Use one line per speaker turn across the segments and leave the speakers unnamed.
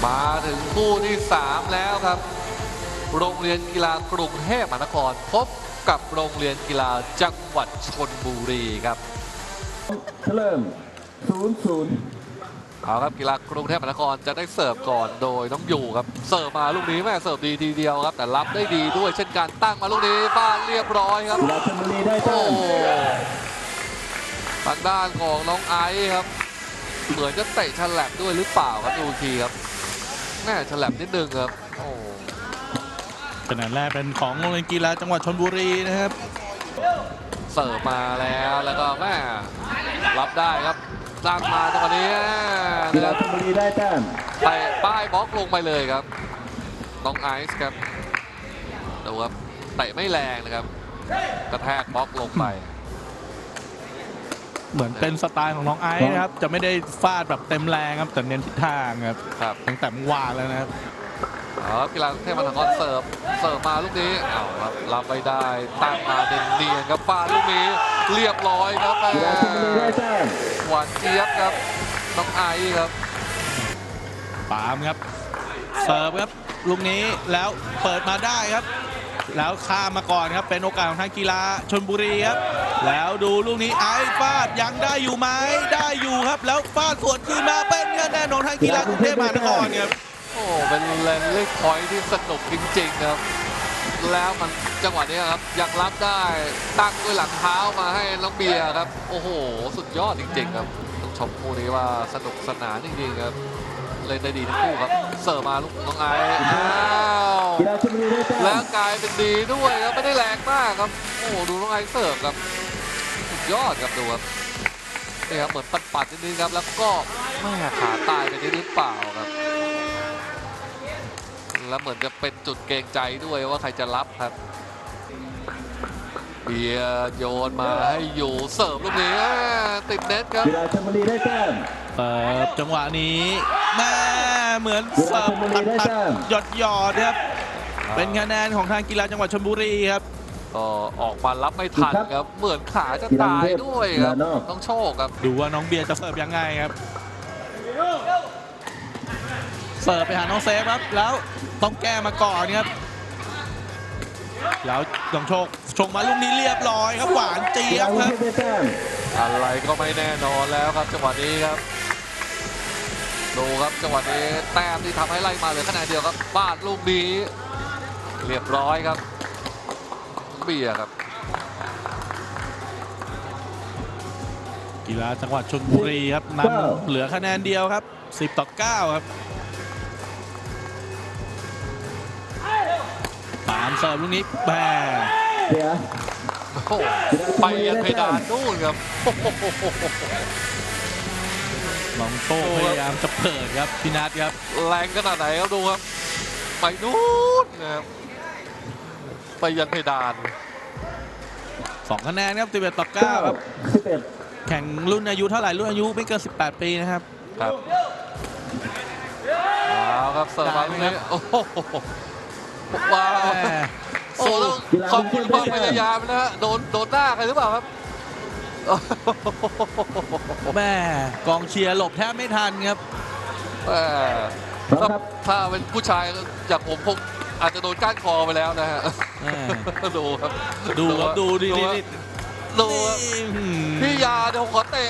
มาถึงคู่ที่ 3 แล้วครับโรงเรียนกีฬากรุงเทพมหานครพบกับโรงเรียนกีฬาจังหวัดชลบุรีครับ
เริ่ม0-0
เอาครับกีฬากรุงเทพมหานครจะได้เสิร์ฟก่อนโดยน้องอยู่ครับเสิร์ฟมาลูกนี้แม่เสิร์ฟดีทีเดียวครับแต่รับได้ดีด้วยเช่นกันตั้งมาลูกนี้ฟาดเรียบร้อยครับ
กีฬาชลบุรีได้แต้ม
ทางด้านของน้องไอซ์ครับเหมือนจะเตะฉลับด้วยหรือเปล่าครับดูทีครับแม่ฉลับนิดนึงครับโอ้
คะแนนแรกเป็นของโรงเรียนกีฬาจังหวัดชลบุรีนะครับ
เสิร์ฟมาแล้วก็แม่รับได้ครับตั้งมาจังหวะนี้
กีฬาชลบุรีได้แต้ม
เตะป้ายบล็อกลงไปเลยครับน้องไอซ์ครับดูครับเตะไม่แรงนะครับกระแทกบล็อกลงไป
เหมือนเป็นสไตล์ของน้องไอซ์นะครับจะไม่ได้ฟาดแบบเต็มแรงครับแต่เน้นทิศทางครับตั้งแต่เมื่อวานแล้วนะครับ
กีฬากรุงเทพมหานครเสิร์ฟมาลูกนี้เอาครับรับไปได้ตั้งมาเนียนๆครับฟาดลูกนี้เรียบร้อยครับ
กีฬาชลบุรีได้แต้ม
หวานเจี๊ยบครับน้องไอซ์ครับ
ปามครับเสิร์ฟครับลูกนี้แล้วเปิดมาได้ครับแล้วข้ามมาก่อนครับเป็นโอกาสของทางกีฬาชลบุรีครับแล้วดูลูกนี้ไอฟาดยังได้อยู่ไหมได้อยู่ครับแล้วฟาดสวนคืนมาเป็นคะแนนของทางกีฬากรุงเทพมหานครครับ
โอ้เป็นแรนลี่พอยท์ที่สนุกจริงๆครับแล้วมันจังหวะนี้ครับยังรับได้ตั้งด้วยหลังเท้ามาให้น้องเบียร์ครับโอ้โหสุดยอดจริงๆครับต้องชมคู่นี้ว่าสนุกสนานจริงๆครับเล่นได้ดีทั้งคู่ครับเสิร์ฟมาลูกน้องไอแล้วกลายเป็นดีด้วยครับไม่ได้แรงมากครับโอ้ดูน้องไอเสิร์ฟครับสุดยอดครับดูครับนี่ครับเหมือนปัดๆนิดนึงครับแล้วก็แม่ขาตายไปนิดหรือเปล่าครับแล้วเหมือนจะเป็นจุดเกรงใจด้วยว่าใครจะรับครับเบียร์โยนมาให้อยู่เสิร์ฟลูกนี้ติดเน็ตครับ
กีฬาชลบุรีได้แต้ม
จังหวะนี้แม่เหมือนเสิร์ฟตัดหยอดครับเป็นคะแนนของทางกีฬาจังหวัดชลบุรีครับ
ก็ออกมารับไม่ทันครับเหมือนขาจะตายด้วยครับต้องโชคครับ
ดูว่าน้องเบียร์จะเสิร์ฟยังไงครับเสิร์ฟไปหาน้องเซฟครับแล้วต้องแก้มาก่อนครับแล้วต้องโชคมาลูกนี้เรียบร้อยครับหวานเจี๊ยบครับ
อะไรก็ไม่แน่นอนแล้วครับจังหวะนี้ครับดูครับจังหวะนี้แต้มที่ทำให้ไล่มาเหลือคะแนนเดียวครับบาดลูกนี้เรียบร้อยครับเบียร์ครับ
กีฬาจังหวัดชลบุรีครับนำเหลือคะแนนเดียวครับ10-9ครับปามเสิร์ฟลูกนี้แม่
ไปยันเพดานนู่นครับ
น้องโชคพยายามจะเปิดครับพี่นัทครับ
แรงขนาดไหนครับดูครับไปนู่นนะครับไปยันเพดาน
2 คะแนนครับ11-9ครับแข่งรุ่นอายุเท่าไหร่รุ่นอายุไม่เกิน18 ปีนะครับ
ครับเอาครับเสิร์ฟมาลูกนี้โอ้โหว้าวโอ้ต้องขอบคุณความพยายามนะฮะโดนหน้าใครหรือเปล่าครับ
แม่กองเชียร์หลบแทบไม่ทันครับ
ถ้าเป็นผู้ชายอย่างผมคงอาจจะโดนก้านคอไปแล้วนะฮะดูครับ
ดูดิ
ดูพี่ยาเดี๋ยวขอเตะ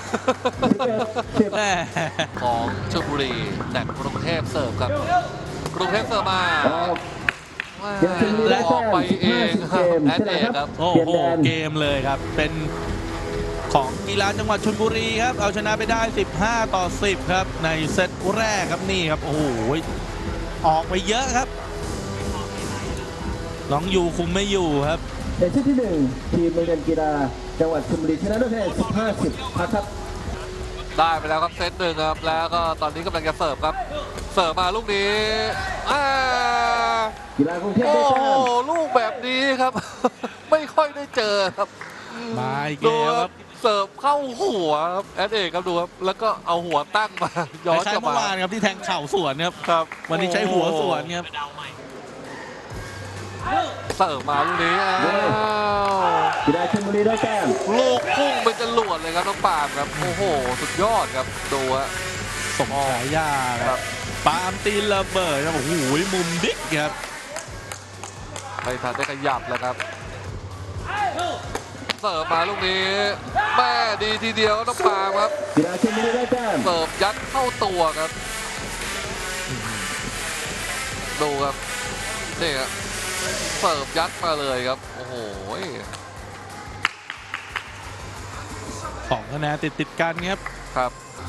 ของชลบุรีแต่กรุงเทพเสิร์ฟครับกรุงเทพเสิร์ฟมาและออกไปเองแอดเอกครับ
โอ้โหเกมเลยครับเป็นของกีฬาจังหวัดชลบุรีครับเอาชนะไปได้15-10ครับในเซตแรกครับนี่ครับโอ้โหออกไปเยอะครับน้องอยู่คุมไม่อยู่ครับ
ในเซตที่1ทีมโรงเรียนกีฬาจังหวัดชลบุรีชนะด้วยคะแนน15-10ครับ
ได้ไปแล้วครับเซตหนึ่งครับแล้วก็ตอนนี้กำลังจะเสิร์ฟครับเสิร์ฟมาลูกนี้
กีฬากรุงเทพได้แต้ม
ลูกแบบนี้ครับไม่ค่อยได้เจอครับ
มาอีกแล้วครับ
เสิร์ฟเข้าหัวครับแอดเอกครับดูครับแล้วก็เอาหัวตั้งมาย้อนกลับมา
เมื่อวานครับที่แทงเข่าสวนครับวันนี้ใช้หัวสวนครับ
เสิร์ฟมาลูกนี้
กีฬาชลบุรีได้แต้ม
ลูกพุ่งเป็นจรวดเลยครับน้องปามครับโอ้โหสุดยอดครับดูฮะ
สมฉายาครับปาล์มตีนระเบิดครับโอ้โหมุมดิ๊กครับ
ไม่ทันได้ขยับเลยครับเสิร์ฟมาลูกนี้แม่ดีทีเดียวน้องปาล์มครับ
กีฬาชลบุรีได้แต้ม
เสิร์ฟยัดเข้าตัวครับดูครับนี่ครับเสิร์ฟยัดมาเลยครับโอ้โห
2 คะแนนติดกันครับ
ครับ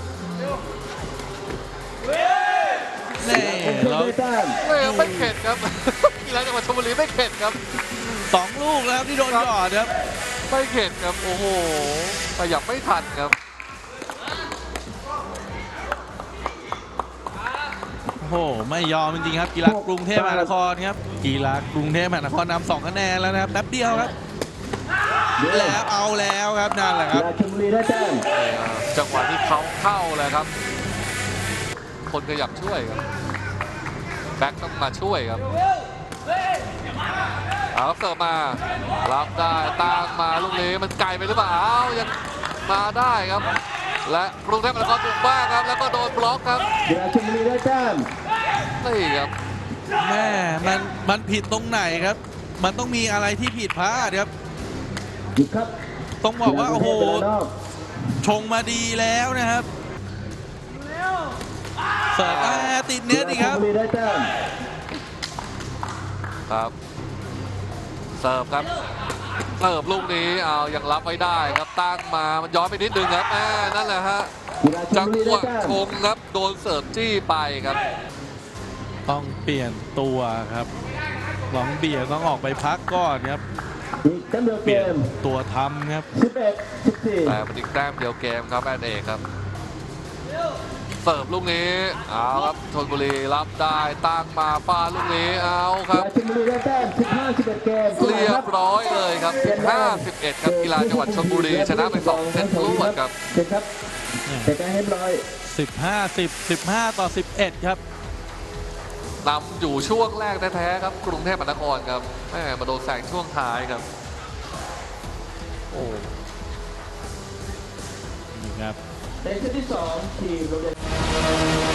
นี่เรา
ได้แต้ม
ไม่เข็ดครับ กีฬาจังหวัดชลบุรีไม่เข็ดครับ
2 ลูกแล้วที่โดนหยอดครับ
ไม่เข็ดครับโอ้โหขยับไม่ทันครับ
โอ้โหไม่ยอมจริงๆครับกีฬากรุงเทพมหานครครับกีฬากรุงเทพมหานครนำ2 คะแนนแล้วนะครับแป๊บเดียวครับแล้วเอาแล้วครับนั่นแหละค
กี
รับ
ฬาชลบุรีได้แต้ม
จังหวะที่เขาเข้าเลยครับ คนขยับช่วยครับแบ็คต้องมาช่วยครับเอาครับเสิร์ฟมารับได้ตั้งมาลูกนี้มันไกลไปหรือเปล่าอ้าวยังมาได้ครับ และกรุงเทพมหานครบุกบ้างครับแล้วก็โดนบล็อกครับ
กีฬาชลบุรีได้แต้ม
นี่ครับ
แม่มันผิดตรงไหนครับ มันต้องมีอะไรที่ผิดพลาดครับ
หยุดครับ
ต้องบอกว่าโอ้โห
กีฬากรุงเทพเวลานอก
ชงมาดีแล้วนะครับเสิร์ฟติดเน็ตอีกครับ
กีฬาชลบุรีได้แต้ม
ครับเสิร์ฟครับเสิร์ฟลูกนี้เอายังรับไว้ได้ครับตั้งมามันย้อนไปนิดนึงครับนั่นแหละฮะ
กีฬาช
จั
ล
ง
บุรี
ห
ได้
วะ
แต้ม
ชงครับโดนเสิร์ฟจี้ไปครับ
ต้องเปลี่ยนตัวครับหลองเบียร์ต้องออกไปพักก่อนครับ
อีกแต้มเดียว
เป
เก
ลี่ยน
ม
ตัวทำครับ
11-14
แต่เป็นอีกแต้มเดียวเกมครับแอนเอกครับเสิร์ฟลูกนี้เอาครับชลบุรีรับได้ตั้งมาฟาดลูกนี้เอาค
กี
รับ
ฬาชลบุรีได้แต้ม15-11 เกม
เรียบร้อยเลยครับ 15-11 ครับกีฬาจังหวัดชลบุรีชนะไป2 เซตรวดครับ
เสร็จครับแต่การเรียบร้อย
15-10 15-11 ครับ
นำอยู่ช่วงแรกแท้ๆครับกรุงเทพมหานครครับแม่มาโดนแซงช่วงท้ายครับโอ้
นี่ครับ
ในเซตที่ 2 ทีมโรงเรียน